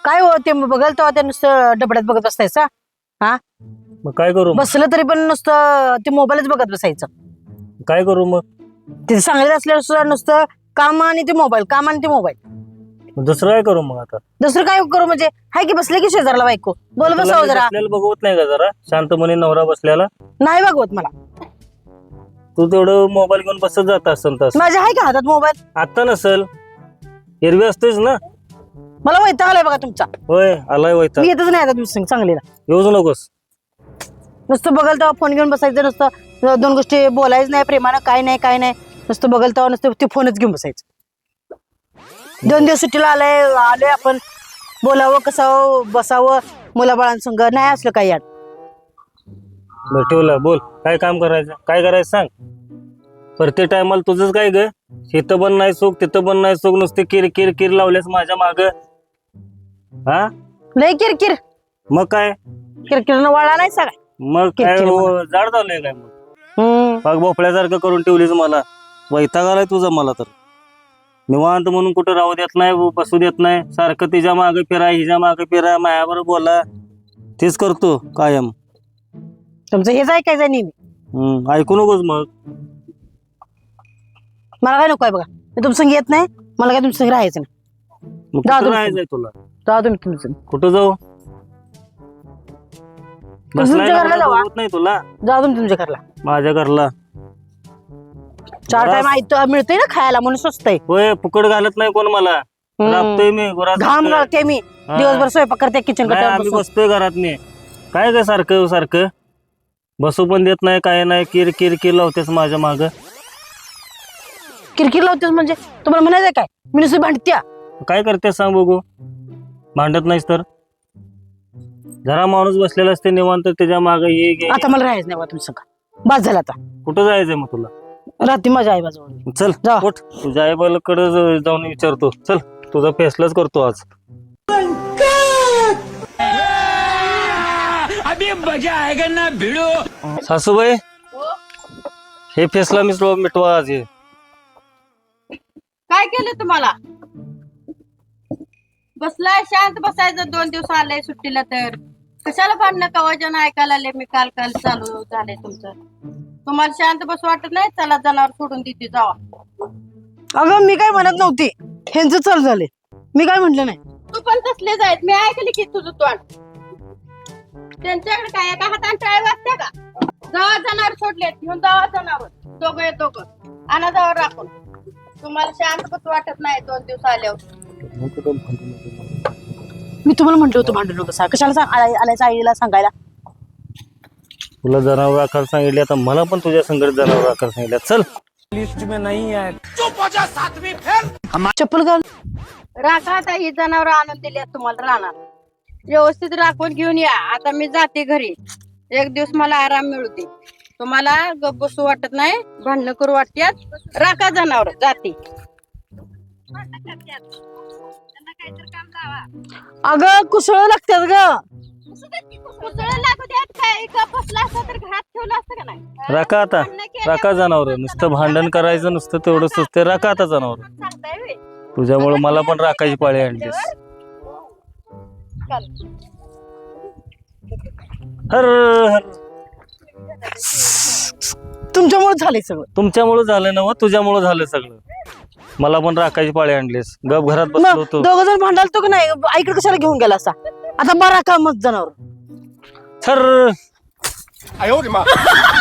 काय हो ते बघल तेव्हा ते नुसतं डबड्यात बघत बसायचं. हा मग काय करू? बसलं तरी पण नुसतं ते मोबाईलच बघत बसायचं. काय करू मग? ते सांगत असल्यावर सुद्धा नुसतं काम आणि ते मोबाईल, काम आणि ते मोबाईल. दुसरं काय करू मग आता? दुसरं काय करू म्हणजे हाय की बसले की शेजारला बायको बोल बसावं जरा. बसलेला बघवत नाही का जरा शांतपणे नवरा बसलेला? नाही बघवत मला. तू तेवढं मोबाईल घेऊन बसत जात असेल तस. माझ्या आहे का हातात मोबाईल? आता नसल, एरवी असतेच ना. मला वैताग आलाय बघा तुमचा. होय आलाय वैताग. मी येतच नाही आता तुम्ही चांगलीला. येऊच नकोस. नुसतं बघल तेव्हा फोन घेऊन बसायचं, नुसतं दोन गोष्टी बोलायचं नाही प्रेमानं, काय नाही नुसतं बघल तेव्हा नुसतं ते फोनच घेऊन बसायचं. 2 दिवस सुट्टीला आलोय आपण, बोलावं कसावं बसावं मुलाबाळांसंग, नाही असलं काही यात. बरं ठेवलं, बोल काय काम करायचं, काय करायचं सांग. प्रत्येक टायमाला तुझंच काय ग, इथं पण नाही सुख तिथं पण नाही सुख, नुसते किर किर किर लावल्यास माझ्या माग. हा लय किरकिर मग काय? किरकिरनं वाळा नाही सगळा. मग काय किरकिर हो, जाड झालंय काय मग? पाग भोपळ्यासारखं करून ठेवलीस मला. वैताग आलाय तुझा मला तर. निवांत म्हणून कुठं राहू देत नाही, बसू देत नाही, सारखं तिच्या मागे फिरा हिच्या मागे फिरा, मायावर बोला, तेच करतो कायम. तुमचं हेच ऐकायचं नेहमी. ऐकू नकोस मग. मला काय नको आहे बघा, मी तुमचं येत नाही, मला काय तुमचं राहायचं नाही. मग जा कुठं तुम्ही. राहायचंय तुला? जा तुम्ही तुमचं. कुठं जाऊ? तुमच्या घरला जावा. होत नाही तुला? जा तुम्ही तुमच्या घरला. माझ्या घरला 4 टाइम मिळतंय ना खायला म्हणून स्वस्त आहे. होय, फुकट घालत नाही कोण मला. राबतोय मी घाम गळते मी दिवसभर स्वयंपाक करते किचन आम्ही बसतोय घरात मी. काय ग सारखं सारखं बसू पण देत नाही, काय नाही, किर किर किर लावतेस माझ्या माग. किरकिर लावतेस म्हणजे तुम्हाला म्हणायचं काय मी नुसती भांडत्या? काय करतेस सांग बघू. भांडत नाहीस तर जरा माणूस बसलेला असते निवांत, त्याच्या माग ये गे. आता मला राहायचं नाही बा तुमचं का, बस झालं आता. कुठं जायचंय मग तुला? रात्री माझ्या आई बाजूला. चल जा. उठ, तुझ्या आईबाला जाऊन विचारतो. चल तुझा फैसलाच करतो आज. अभी मजा आएगा ना भिड़ो. सासूबाई, हे फैसला मिटवा आज. हे काय केलं तुम्हाला? बसलाय शांत बसायचं, 2 दिवस आले सुट्टीला तर कशाला भांडणं कवाजन ऐकायला आले मी. काल चालू झाले तुमचं. तुम्हाला शांत बस वाटत नाही? चला जनावर सोडून देते जावा. अगं मी काय म्हणत नव्हती, ह्यांचं चालू झाले, मी काय म्हटलं नाही. तू पण तसले जायत, मी ऐकले की तुझं तोंड. त्यांच्याकडे काय एका हाताने टाळ वाजते का? जावा जनावर सोडलेत, घेऊन जावा जनावर. दोघं आणा जावा राखून. तुम्हाला शांत बस वाटत नाही 2 दिवस आल्यावर. मी तुम्हाला म्हटलं होतं भांडू नको, कशाला आल्याचं आईला सांगायला. तुला जनावर राखायला सांगितले, आता मला पण तुझ्या संगत जनावर राखायला सांगितलं. चल. चप्पल घाल. राखा आता ही जनावर आणून दिली तुम्हाला राहणार. व्यवस्थित राखून घेऊन या. आता मी जाते घरी, 1 दिवस मला आराम मिळू दे. तुम्हाला गप बसू वाटत नाही, भांडणं करू वाटत्यात. राखा जनावर, जाते. अगं कुसळ लागतात ग. कुसळं लागू द्यात काय, गप बसला असता तर घरात ठेवलं असतं का नाही? राखा आता, राखा जनावर. नुसतं भांडण करायचं नुसतं तेवढंच असते. राखा आता जनावर. सांगताय व्हय? तुझ्यामुळे मला पण राखायची पाळी आणलीस. चल. हर हर. तुमच्यामुळे झालंय सगळं. तुमच्यामुळे झालं ना, तुझ्यामुळे झालं सगळं. मला पण राखायची पाळी आणलीस. गप घरात बसलो होतो. 2 जण भांडाल तो की नाही, आईकडे कशाला घेऊन गेला असा. आता बरा का मग जनावर. सर